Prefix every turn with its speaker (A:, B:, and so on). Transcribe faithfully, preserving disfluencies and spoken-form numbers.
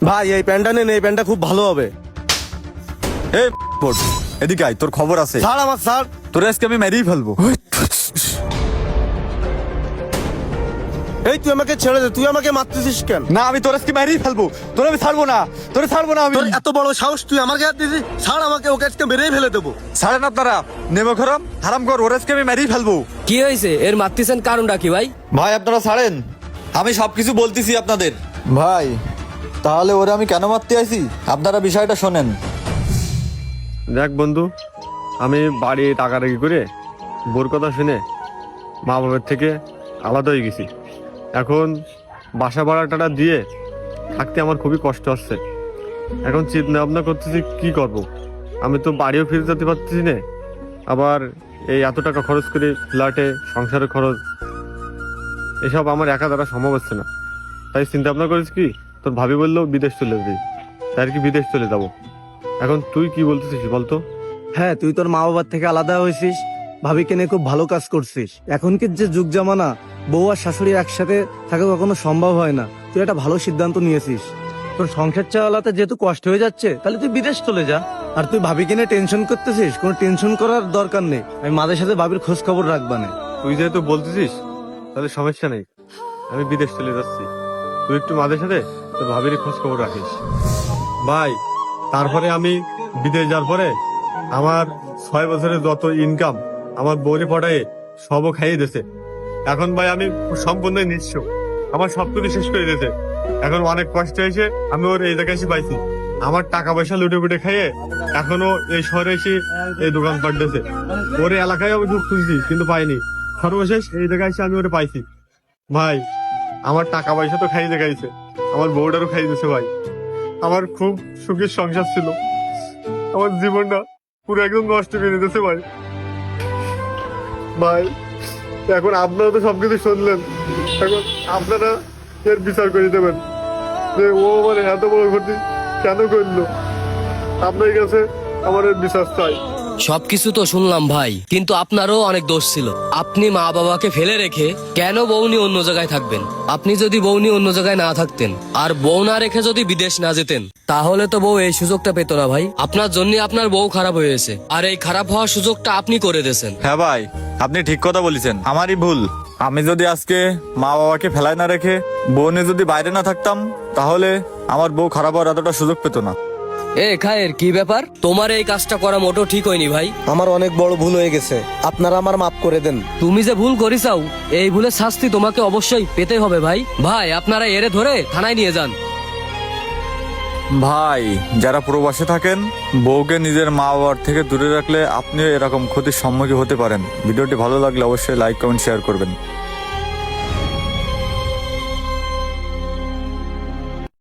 A: ভাই এই প্যান্টটা নেন, এই প্যান্টটা খুব ভালো হবে।
B: এই বোট, এদিকে আয়, তোর খবর আছে।
A: স্যার আমার স্যার
B: তোর আজকে আমি মেরেই ফেলবো।
A: এই তুই আমাকে ছেড়ে দে, তুই আমাকে মারতেছিস কেন?
B: না, আমি তোর আজকে মেরেই ফেলবো। তোর আমি ছাড়বো না, তোরে ছাড়বো না আমি।
A: তোর এত বড় সাহস, তুই আমাকে হাত দিছিস? স্যার আমাকে, ওকে আজকে মেরেই ফেলে দেবো।
B: ছাড়েন আপনারা, নেমে খরম হারাম কর, ওর আজকে আমি মেরেই ফেলবো।
C: কি হয়েছে? এর মারতেছেন কারণটা কি ভাই?
B: ভাই আপনারা ছাড়েন, আমি সবকিছু বলতেছি আপনাদের। ভাই তাহলে ওরে আমি কেন মারতে আইছি আপনারা বিষয়টা শোনেন।
D: দেখ বন্ধু, আমি বাড়ি টাকা রেখে করে বোর কথা শুনে মা বাবার থেকে আলাদা হয়ে গেছি। এখন বাসা ভাড়াটা দিয়ে থাকতে আমার খুবই কষ্ট হচ্ছে। এখন চিন্তা ভাবনা করতেছি কি করব। আমি তো বাড়িও ফিরে যেতে পারতেছি না, আবার এই এত টাকা খরচ করে ফ্ল্যাটে সংসারের খরচ, এসব আমার একা দ্বারা সম্ভব হচ্ছে না। তাই চিন্তা ভাবনা করেছি কি, তোর ভাবি বললো বিদেশ চলে যাবি, তাই আর কি বিদেশ চলে যাব। এখন তুই কি বলতেছিস বলতো?
E: হ্যাঁ, তুই তোর মা বাবার থেকে আলাদা হয়েছিস, ভাবিকে নিয়ে খুব ভালো কাজ করছিস। এখনকার যে যুগ জামানা, বউ আর শাশুড়ি একসাথে থাকা কখনো সম্ভব হয় না। তুই একটা ভালো সিদ্ধান্ত নিয়েছিস। তোর সংসার চালাতে যেহেতু কষ্ট হয়ে যাচ্ছে, তাহলে তুই বিদেশ চলে যা। আর তুই ভাবিকে নিয়ে টেনশন করতেছিস, কোনো টেনশন করার দরকার নেই। আমি মাদের সাথে ভাবির খোঁজ খবর রাখবা না।
D: তুই যেহেতু বলতেছিস তাহলে সমস্যা নেই, আমি বিদেশ চলে যাচ্ছি। তুই একটু মাদের সাথে তোর ভাবির খোঁজ খবর রাখিস ভাই। তারপরে আমি বিদেশ যাওয়ার পরে আমার ছয় বছরের যত ইনকাম আমার বউরে পটায়ে সবও খাইয়ে দিয়েছে। এখন ভাই আমি সম্পূর্ণ নিঃস্ব, আমার সবকিছু শেষ করে দিয়েছে। এখন অনেক কষ্ট হয়েছে, আমি ওর এই জায়গায় এসে পাইছি। আমার টাকা পয়সা লুটে পুটে খাইয়ে এখনো এই শহরে এসে এই দোকান পাঠিয়েছে। ওর এই এলাকায় আমি খুব খুঁজছি কিন্তু পাইনি, সর্বশেষ এই জায়গায় এসে আমি ওরে পাইছি। ভাই আমার টাকা পয়সা তো খাইয়ে দেখাইছে, আমার বউটারও খাইয়ে দিয়েছে। ভাই আমার খুব সুখের সংসার ছিল, আমার জীবনটা পুরো একদম নষ্ট করে দিতেছে ভাই। ভাই এখন আপনারা তো সবকিছু শুনলেন, এখন আপনারা এর বিচার করে দেবেন যে ও মানে এত বড় ক্ষতি কেন করলো। আপনার কাছে আমার এর বিচার চাই।
C: সবকিছু তো শুনলাম ভাই, কিন্তু আপনারও অনেক দোষ ছিল। আপনি মা বাবাকে ফেলে রেখে কেন বউ নিয়ে অন্য জায়গায় থাকবেন? আপনি যদি বউ নিয়ে অন্য জায়গায় না থাকতেন আর বউ না রেখে যদি বিদেশ না যেতেন, তাহলে তো বউ এই সুযোগটা পেত না ভাই। আপনার জন্য আপনার বউ খারাপ হয়েছে, আর এই খারাপ হওয়ার সুযোগটা আপনি করে দিয়েছেন।
B: হ্যাঁ ভাই, আপনি ঠিক কথা বলেছেন, আমারই ভুল। আমি যদি আজকে মা বাবাকে ফেলায় না রেখে বউ নিয়ে যদি বাইরে না থাকতাম, তাহলে আমার বউ খারাপ হওয়ার এতটা সুযোগ পেত না।
C: এ খায়ের, কি ব্যাপার? তোমার এই কাজটা করা মোটো ঠিক হয়নি ভাই।
A: আমার অনেক বড় ভুল হয়ে গেছে, আপনারা আমার মাফ করে দেন।
C: তুমি যে ভুল করিসাও, এই ভুলের শাস্তি তোমাকে অবশ্যই পেতে হবে ভাই। ভাই আপনারা এরে ধরে থানায় নিয়ে যান।
B: ভাই যারা প্রবাসে থাকেন, বউকে নিজের মা বাবার থেকে দূরে রাখলে আপনিও এরকম ক্ষতির সম্মুখীন হতে পারেন। ভিডিওটি ভালো লাগলে অবশ্যই লাইক কমেন্ট শেয়ার করবেন।